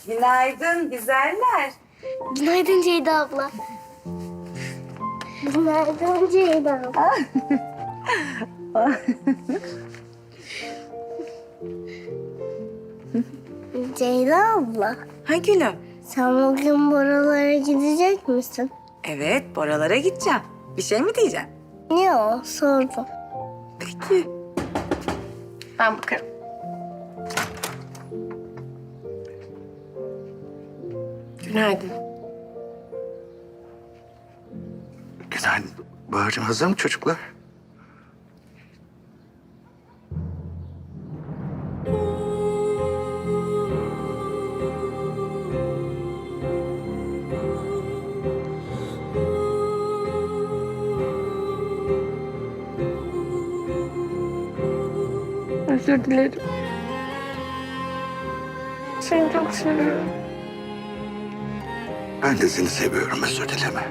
Günaydın güzeller. Günaydın Ceyda abla. Günaydın Ceyda abla. Ceyda abla, Ha gülüm. sen bugün buralara gidecek misin? Evet Boralara gideceğim. Bir şey mi diyeceksin? Ne o? Sordum. Peki. Ben bakarım. Günaydın. Günaydın. Bahar'cığım hazır mı çocuklar? Özür dilerim. Seni çok seviyorum. Ben de seni seviyorum, özür dileme.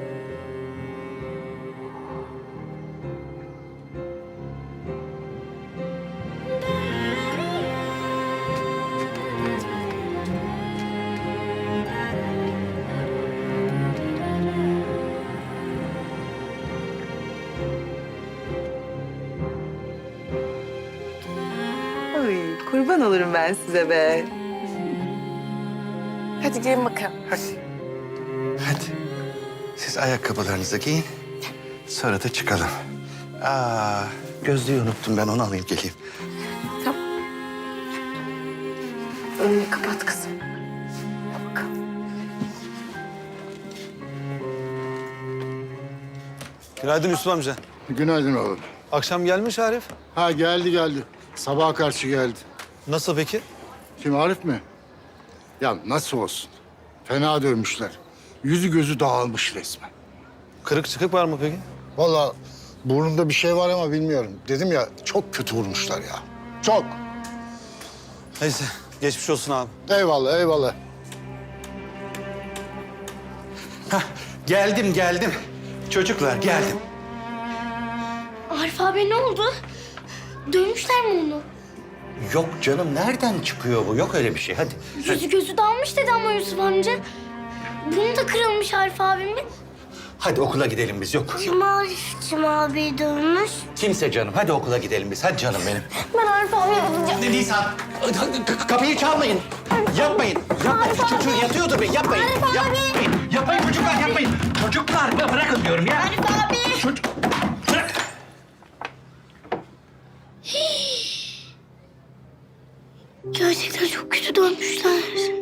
Ay kurban olurum ben size be. Hadi gelin bakalım. Hadi. Hadi. Siz ayakkabılarınızı giyin. Sonra da çıkalım. Gözlüğü unuttum, ben onu alayım geleyim. Önünü kapat kızım. Gel bakalım. Günaydın Yusuf amca. Günaydın oğlum. Akşam gelmiş Arif. Ha geldi. Sabaha karşı geldi. Nasıl peki? Kim Arif mi? Ya nasıl olsun? Fena dövmüşler. Yüzü gözü dağılmış resmen. Kırık çıkık var mı peki? Vallahi burnunda bir şey var ama bilmiyorum. Dedim ya çok kötü vurmuşlar ya. Çok. Neyse geçmiş olsun abi. Eyvallah. Geldim. Çocuklar geldim. Arif abi ne oldu? Dövmüşler mi onu? Yok canım, nereden çıkıyor bu? Yok öyle bir şey, hadi. Yüzü gözü dalmış dedi ama Yusuf amca. Bunu da kırılmış Arif abimin. Hadi okula gidelim biz, yok. Kim Arif'cim abi dövmüş? Kimse canım, hadi okula gidelim biz. Hadi canım benim. Ben Arif abiye gideceğim. Nisan, kapıyı çalmayın. Yapmayın. Çocuğu yatıyordur be, yapmayın. Arif abi. Yapmayın çocuklar, yapmayın. Çocuklar, ya bırakın diyorum ya. Arif abi. Çocuk, bırak. Gerçekten çok kötü dövmüşler.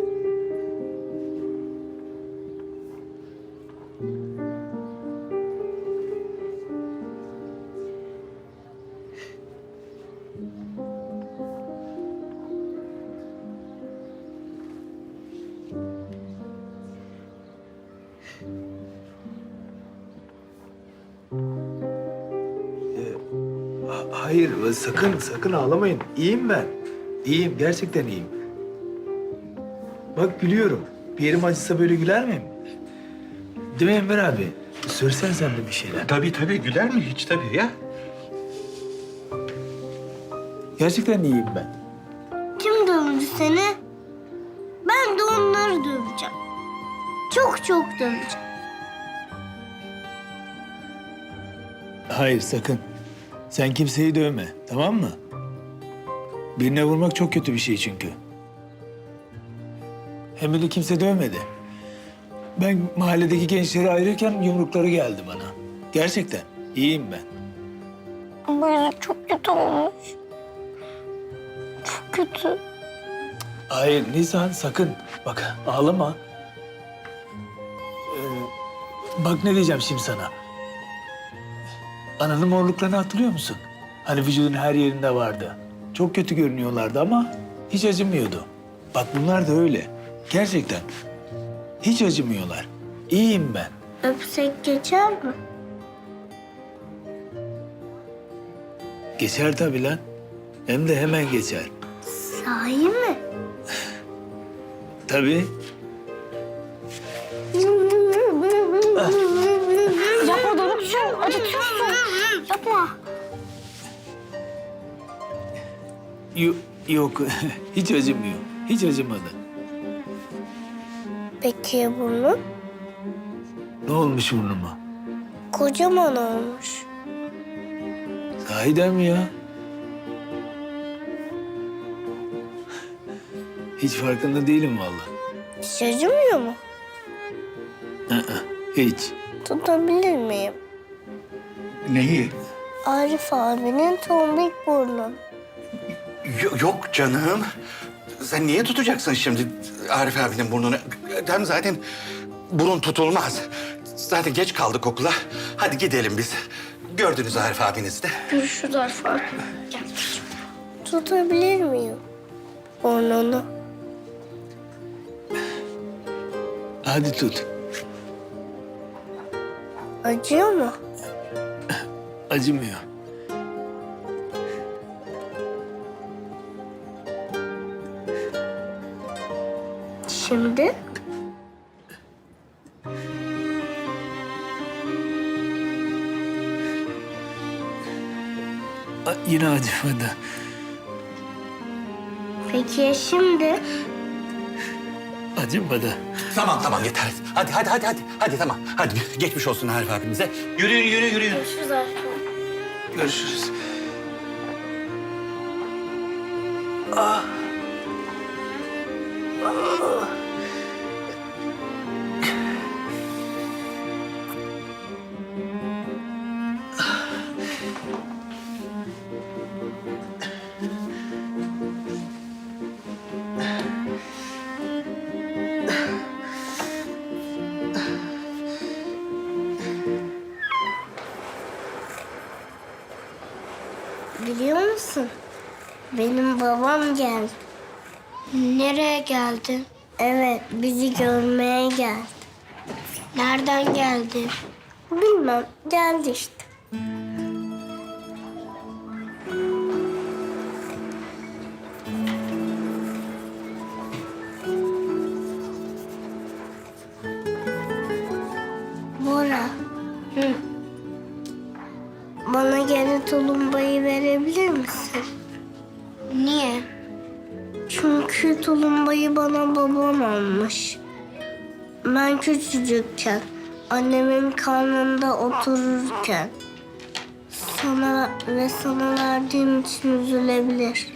Hayır, sakın ağlamayın. İyiyim ben. İyiyim, gerçekten iyiyim. Bak gülüyorum. Bir yerim acısa böyle güler miyim? Değil mi Enver abi? Söylesen sen de bir şeyler. Tabii güler mi hiç tabii ya? Gerçekten iyiyim ben. Kim dövdü seni? Ben de onları döveceğim. Çok döveceğim. Hayır, sakın. Sen kimseyi dövme, tamam mı? Birine vurmak çok kötü bir şey çünkü. Hem beni kimse dövmedi. Ben mahalledeki gençleri ayırırken yumrukları geldi bana. Gerçekten iyiyim ben. Ama yüzü çok kötü olmuş. Çok kötü. Hayır Nisan, sakın. Bak ağlama. Bak ne diyeceğim şimdi sana. Ananın morluklarını hatırlıyor musun? Hani vücudun her yerinde vardı. Çok kötü görünüyorlardı ama hiç acımıyordu. Bak bunlar da öyle. Gerçekten. Hiç acımıyorlar. İyiyim ben. Öpsek geçer mi? Geçer tabii lan. Hem de hemen geçer. Sahi mi? Tabii. Yapma Doruk'cum, acıtıyorsun. Yapma. Yok, hiç acımıyor. Hiç acımadı. Peki ya burnun? Ne olmuş burnuma? Kocaman olmuş. Sahiden mi ya? Hiç farkında değilim vallahi. Hiç acımıyor mu? Hiç. Tutabilir miyim? Neyi? Arif abinin tombik burnu. Yok canım. Sen niye tutacaksın şimdi Arif abinin burnunu? Hem zaten burun tutulmaz. Zaten geç kaldık okula. Hadi gidelim biz. Gördünüz Arif abinizi de. Görüşürüz Arif abi. Gel. Tutabilir miyim burnunu? Hadi tut. Acıyor mu? Acımıyor. Şimdi? Yine acımadı. Peki ya şimdi? Acımadı. Tamam yeter. Hadi tamam. Hadi geçmiş olsun Arif abimize. Yürüyün. Görüşürüz Arif abi. Görüşürüz. Biliyor musun? Benim babam geldi. Nereye geldi? Evet, bizi görmeye geldi. Nereden geldi? Bilmem, geldi işte. Bora. Hı. Bana geri tulumbayı verebilir misin? Niye? Çünkü tulumbayı bana babam almış. Ben küçücükken, annemin karnında otururken sana verdiğim için üzülebilir.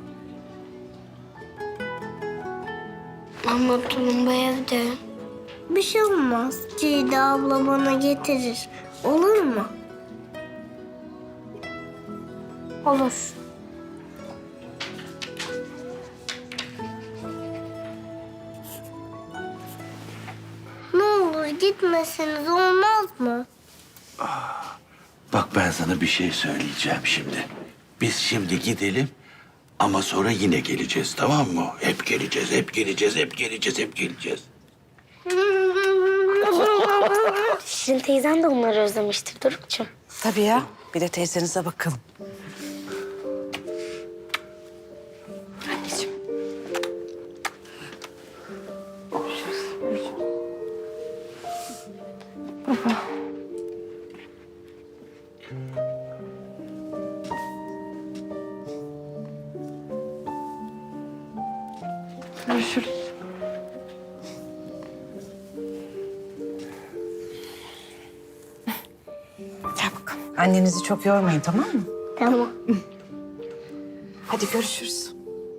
Ama tulumba evde. Bir şey olmaz. Ceyda abla bana getirir. Olur mu? Olur. Ne olur gitmeseniz olmaz mı? Bak ben sana bir şey söyleyeceğim şimdi. Biz şimdi gidelim ama sonra yine geleceğiz, tamam mı? Hep geleceğiz. Şirin teyzen de onları özlemiştir Doruk'cum. Tabii ya. Bir de teyzenize bakalım. Anneciğim. Görüşürüz. Gel bakalım. Annenizi çok yormayın, tamam mı? Tamam. Hadi görüşürüz.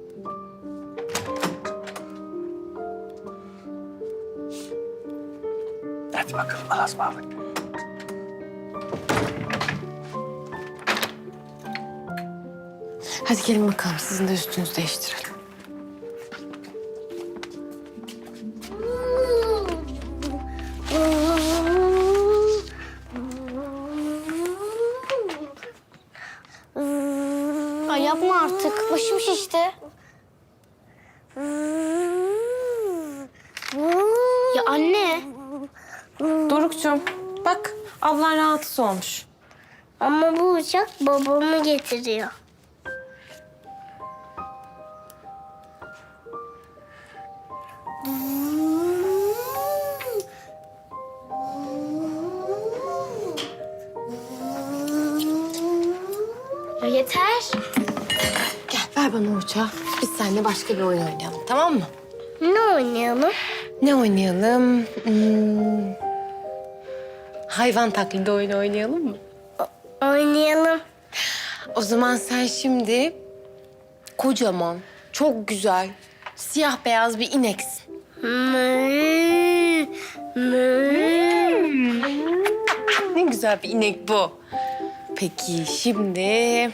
Hadi bakalım Allah'a ısmarladık. Hadi gelin bakalım, sizin de üstünüzü değiştirelim. Ay yapma artık. Başım şişti. Ya anne. Doruk'cum bak, ablan rahatsız olmuş. Ama bu uçak babamı getiriyor. Ya yeter. Gel ver bana uçağı. Biz seninle başka bir oyun oynayalım, tamam mı? Ne oynayalım? Ne oynayalım? Hayvan taklidi oyunu oynayalım mı? Oynayalım. O zaman sen şimdi kocaman, çok güzel, siyah beyaz bir ineksin. Mı, mı. Ne güzel bir inek bu. Peki şimdi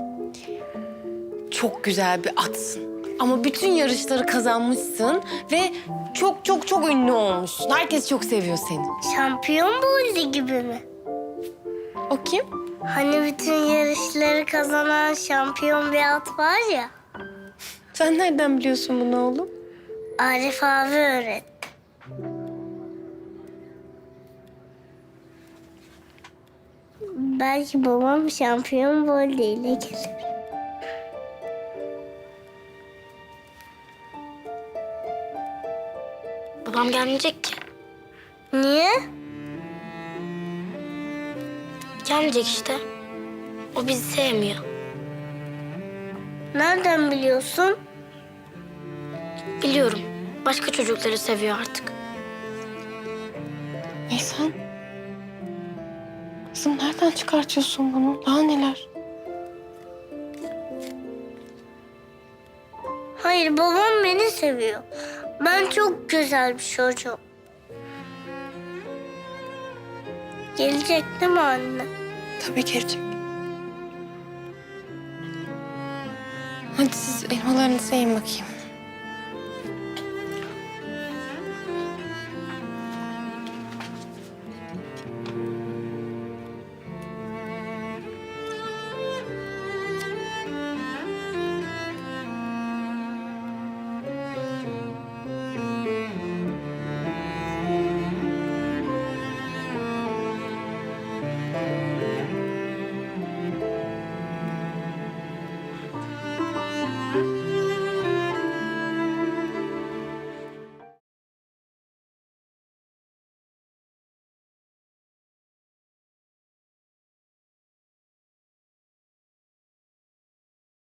çok güzel bir atsın. Ama bütün yarışları kazanmışsın ve çok çok çok ünlü olmuşsun. Herkes çok seviyor seni. Şampiyon Bolli gibi mi? O kim? Hani bütün yarışları kazanan şampiyon bir at var ya. Sen nereden biliyorsun bunu oğlum? Arif abi öğretti. Belki babam şampiyon Bolli ile gelir. Babam gelmeyecek ki. Niye? Gelmeyecek işte. O bizi sevmiyor. Nereden biliyorsun? Biliyorum. Başka çocukları seviyor artık. Nisan. Kızım nereden çıkartıyorsun bunu? Daha neler? Hayır, babam beni seviyor. Ben çok güzel bir çocuğum. Gelecek değil mi anne? Tabii gelecek. Hadi siz elmalarınızı yiyin bakayım.